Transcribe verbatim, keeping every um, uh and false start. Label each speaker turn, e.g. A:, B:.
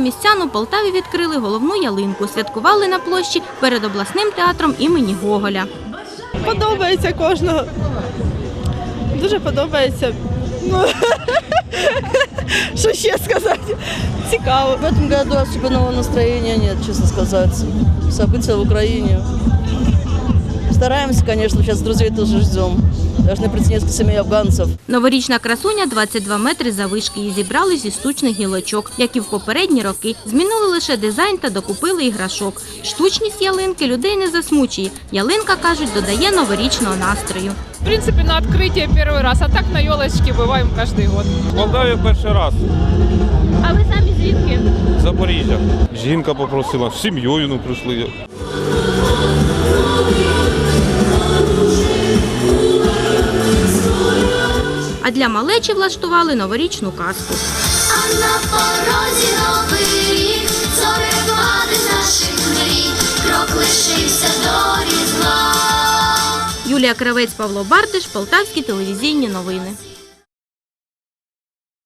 A: містян у Полтаві відкрили головну ялинку. Святкували на площі перед обласним театром імені Гоголя.
B: Подобається кожного. Дуже подобається. Ну, що ще сказати? Цікаво.
C: В этом году особенного настроения нет, честно сказать. События в Украине. Стараемся, конечно, сейчас друзей тоже ждем. Должны прийти несколько семей афганцев.
A: Новорічна красуня двадцять два метри заввишки. Її зібрали зі штучних гілочок, як і в попередні роки. Змінили лише дизайн та докупили іграшок. Штучність ялинки людей не засмучує. Ялинка, кажуть, додає новорічного настрою.
D: В принципе, на открытие первый раз, а так на елочке бываем каждый год.
E: В Молдаві перший раз.
A: А ви самі звідки?
E: Запоріжжя. Жінка попросила, з сім'єю ну, прийшли.
A: А для малечі влаштували новорічну казку.
F: А на порозі новий рік, зорепади наших мрій, крок лишився до Різдва.
A: Юлія Кравець, Павло Бартиш, Полтавські телевізійні новини.